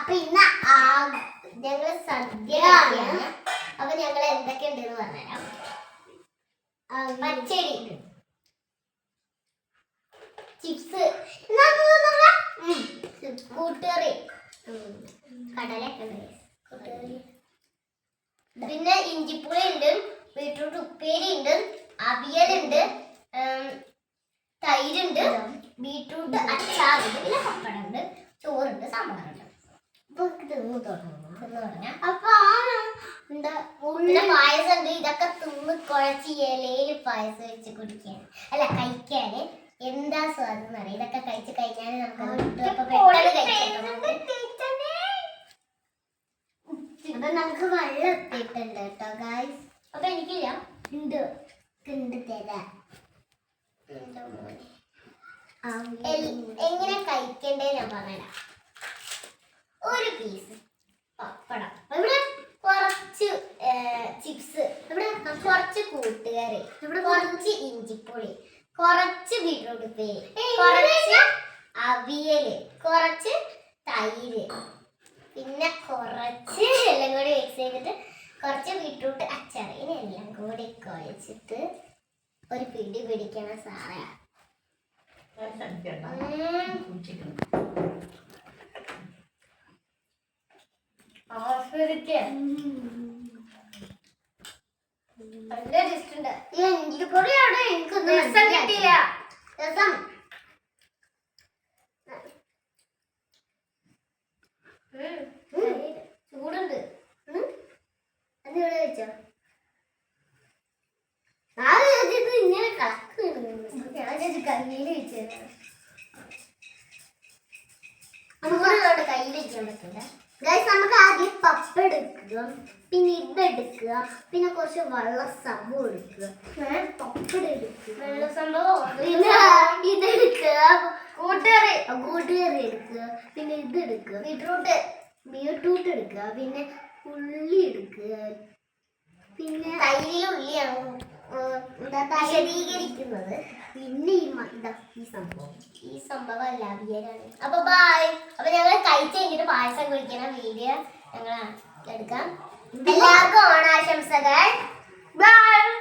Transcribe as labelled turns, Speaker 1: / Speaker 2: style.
Speaker 1: അപ്പൊ ഇന്ന് ഞങ്ങള് സദ്യ. അപ്പൊ ഞങ്ങൾ എന്തൊക്കെ ഉണ്ടെന്ന് പറഞ്ഞുതരാം. പച്ചടി, ചിപ്സ്, കൂട്ടുകറി, കടലൊക്കെ ഉണ്ട്, പിന്നെ ഇഞ്ചിപ്പുളി ഉണ്ട്, ബീട്രൂട്ട് ഉപ്പേരി ഉണ്ട്, അവിയലുണ്ട്, തൈരുണ്ട്, ബീട്രൂട്ട് അച്ചാറുണ്ട്, പിന്നെ പപ്പടമുണ്ട്, ചോറുണ്ട്, സാമ്പാറുണ്ട്. അപ്പൊ എന്താ പിന്നെ പായസം ഉണ്ട്. ഇതൊക്കെ തിന്ന് കുഴച്ച് ഇലയിൽ പായസം വെച്ച് കുടിക്കാൻ അല്ല കഴിക്കാന് എന്താ സ്വാദം എന്നറിയാം. ഇതൊക്കെ കഴിച്ച് കഴിഞ്ഞാൽ നമുക്ക് വെള്ളം എത്തിയിട്ടുണ്ട് കേട്ടോ ഗായ്സ്. അപ്പൊ എനിക്കില്ല ഉണ്ട് തരാം. എങ്ങനെ കഴിക്കണ്ടേ ഞാൻ പറഞ്ഞുതരാം. ഒരു പീസ് പപ്പടം, ഇവിടെ കുറച്ച് ചിപ്സ്, ഇവിടെ കുറച്ച് കൂട്ടുകറി, ഇവിടെ കുറച്ച് ഇഞ്ചിപ്പൊടി, കുറച്ച് ബീട്രൂട്ട് ഉപ്പേരി, കുറച്ച് അവിയല്, കുറച്ച് തൈര്, പിന്നെ കുറച്ച് എല്ലാം കൂടി മിക്സ് ചെയ്തിട്ട് കുറച്ച് ബീട്രൂട്ട് അച്ചാർ. ഇതെല്ലാം കൂടി കുഴച്ചിട്ട് ഒരു പിടി പിടിക്കണ സാറേ. നല്ല ടേസ്റ്റ് ഉണ്ട്. ഈ ഇഞ്ചിപ്പൊടിയാണ് എനിക്കൊന്നും രസം കിട്ടിയില്ല. രസം ചൂടുണ്ട്. അത് ഇവിടെ വെച്ചോ. ഇങ്ങനെ കയ്യിൽ വെച്ചു നമുക്കോട് കയ്യിൽ വെക്കാൻ പറ്റില്ല. ഗൈസ്, നമുക്ക് ആദ്യം പപ്പ എടുക്കുക, പിന്നെ ഇതെടുക്കുക, പിന്നെ കുറച്ച് വെള്ള സംഭവം എടുക്കുക, പപ്പടം എടുക്കുക, വെള്ള സംഭവം, പിന്നെ ഇതെടുക്കുക, കൂട്ടുകറി എടുക്കുക, പിന്നെ ഇതെടുക്കുക, ബീട്രൂട്ട് എടുക്കുക, പിന്നെ ഉള്ളി എടുക്കുക, പിന്നെ തൈരിൽ ഉള്ളിയാണ് വിശദീകരിക്കുന്നത്. പിന്നെ ഈ സംഭവം അല്ല അവിയലാണ്. അപ്പൊ ബൈ. അപ്പൊ ഞങ്ങൾ കഴിച്ച് കഴിഞ്ഞിട്ട് പായസം കുടിക്കുന്ന വീഡിയോ ഞങ്ങൾ എടുക്കാം. എല്ലാവർക്കും ഓണാശംസകൾ. ബൈ.